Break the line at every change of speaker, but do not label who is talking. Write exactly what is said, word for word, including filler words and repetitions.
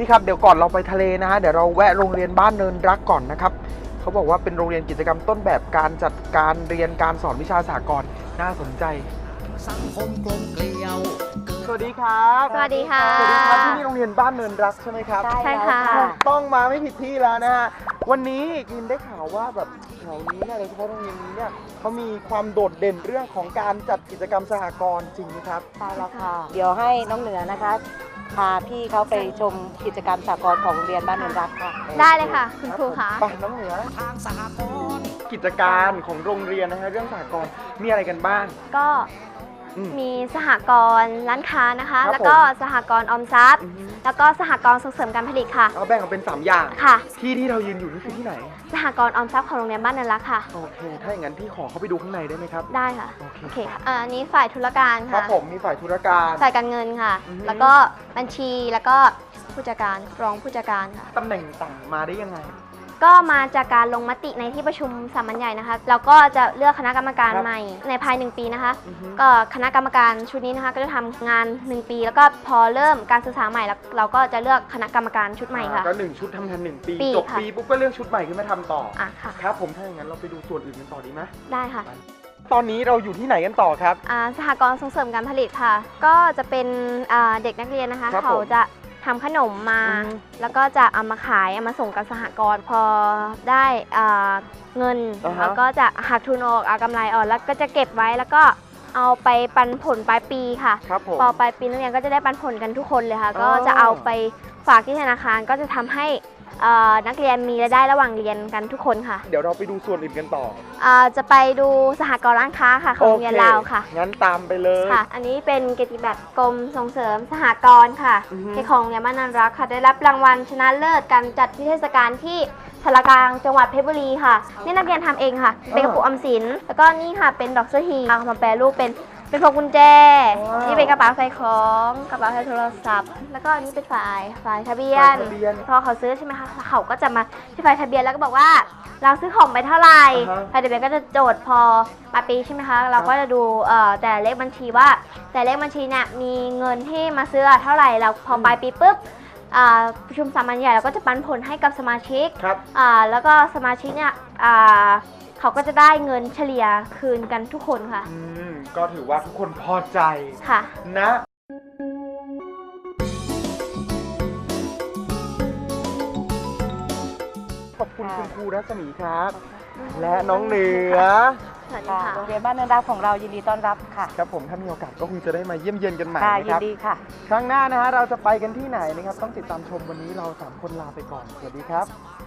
นี่ครับเดี๋ยวก่อนเราไปทะเลนะฮะเดี๋ยวเราแวะโรงเรียนบ้านเนินรักก่อนนะครับเขาบอกว่าเป็นโรงเรียนกิจกรรมต้นแบบการจัดการเรียนการสอนวิชาสากลน่าสนใจสังคมกลมเกลียวสวัสดีครับ
สวัสดีค่ะ
สวัสดีครับที่นี่โรงเรียนบ้านเนินรักใช่ไหมครับ
ใช่ค่ะ
ต้องมาไม่ผิดที่แล้วนะฮะวันนี้กินได้ข่าวว่าแบบแถวนี้เนี่ยโดยเฉพาะโรงเรียนนี้เนี่ยเขามีความโดดเด่นเรื่องของการจัดกิจกรรมสหกรณ์จริงไหมครับ
ใช่แล้วค่ะเดี๋ยวให้น้องเหนือนะคะพาพี่เขาไปชมกิจกรรมสหกรณ์ของโรงเรียนบ้านเนินรักค่ะ
ได้เลยค่ะคุณครูคะ
ไปน้องเหนือทางสหกรณ์กิจการของโรงเรียนนะฮะเรื่องสหกรณ์มีอะไรกันบ้าง
ก็มีสหกรณ์ร้านค้านะคะแล้วก็สหกรณ์ออมทรัพย์แล้วก็สหกรณ์ส่งเสริมการผลิตค่ะ
เราแบ่งออกเป็นสามอย่าง
ค่ะ
ที่ที่เรายืนอยู่นี่คือที่ไหน
สหกรณ์ออมทรัพย์ของโรงเรียนบ้านเนินรักค่ะ
โอเคถ้าอย่างนั้นพี่ขอเข้าไปดูข้างในได้ไหมครับ
ได้ค่ะโอเคค่ะอันนี้ฝ่ายธุรการค่ะ
ครับผมมีฝ่ายธุรการ
ฝ่ายการเงินค่ะแล้วก็บัญชีแล้วก็ผู้จัดการรองผู้จัดการค่ะ
ตำแหน่งต่างมาได้ยังไง
ก็มาจากการลงมติในที่ประชุมสามัญใหญ่นะคะแล้วก็จะเลือกคณะกรรมการใหม่ในภายหนึ่งปีนะคะก็คณะกรรมการชุดนี้นะคะก็จะทำงานหนึ่งปีแล้วก็พอเริ่มการศึกษาใหม่แล้วเราก็จะเลือกคณะกรรมการชุดใหม่ค่ะ
ก็หนึ่งชุดทำงานหนึ่งปีจบปีปุ๊บก็เลือกชุดใหม่ขึ้นมาทำต่อ
อ่ะค่ะ
ครับผมถ้าอย่างนั้นเราไปดูส่วนอื่นกันต่อดีไหม
ได้ค่ะ
ตอนนี้เราอยู่ที่ไหนกันต่อครับ
สหกรณ์ส่งเสริมการผลิตค่ะก็จะเป็นเด็กนักเรียนนะคะเขาจะทำขนมมาแล้วก็จะเอามาขายเอามาส่งกับสหกรณ์พอได้เงินแล้วก็จะหักทุนออกเอากำไรออกแล้วก็จะเก็บไว้แล้วก็เอาไปปันผลปลายปีค่ะพอปลายปีนักเรียนก็จะได้ปันผลกันทุกคนเลยค่ะก็จะเอาไปฝากที่ธนาคารก็จะทำให้นักเรียนมีรายได้ระหว่างเรียนกันทุกคนค่ะ
เดี๋ยวเราไปดูส่วนอื่นกันต่อ
จะไปดูสหกรณ์ร้านค้าค่ะของโรงเรียนเราค่ะ
งั้นตามไปเลย
ค่ะอันนี้เป็นเกียรติบัตรกรมส่งเสริมสหกรณ์ค่ะที่ของโรงเรียนบ้านเนินรักค่ะได้รับรางวัลชนะเลิศการจัดเทศกาลที่สารกลางจังหวัดเพชรบุรีค่ะนี่นักเรียนทำเองค่ะเป็นกระปุกออมสินแล้วก็นี่ค่ะเป็นดอกเสื้อฮีเอามาแปรรูปเป็นเป็นพวงกุญแจนี่เป็นกระเป๋าใส่ของกระเป๋าใส่โทรศัพท์แล้วก็อันนี้เป็นฝ่ายฝ่ายทะเบียนพอเขาซื้อใช่ไหมคะเขาก็จะมาที่ฝ่ายทะเบียนแล้วก็บอกว่าเราซื้อของไปเท่าไหร่ฝ่ายทะเบียนก็จะโจทย์พอปลายปีใช่ไหมคะเราก็จะดูแต่เลขบัญชีว่าแต่เลขบัญชีเนี่ยมีเงินที่มาซื้อเท่าไหร่เราพอปลายปีปุ๊บประชุมสามัญใหญ่เราก็จะปันผลให้กับสมาชิกแล้วก็สมาชิกเนี่ยเขาก็จะได้เงินเฉลี่ยคืนกันทุกคนค่ะ
อืมก็ถือว่าทุกคนพอใจ
ค่ะ
นะขอบคุณคุณครูรัศมีครับและน้องเหนือ
สวัสดีค่ะ
โรงเรียนบ้านเนินรักของเรายินดีต้อนรับค่ะ
ครับผมถ้ามีโอกาสก็คงจะได้มาเยี่ยมเยียนกันใหม่
นะครับ
ยิน
ดีค่ะ
ครั้งหน้านะฮะเราจะไปกันที่ไหนนะครับต้องติดตามชมวันนี้เราสามคนลาไปก่อนสวัสดีครับ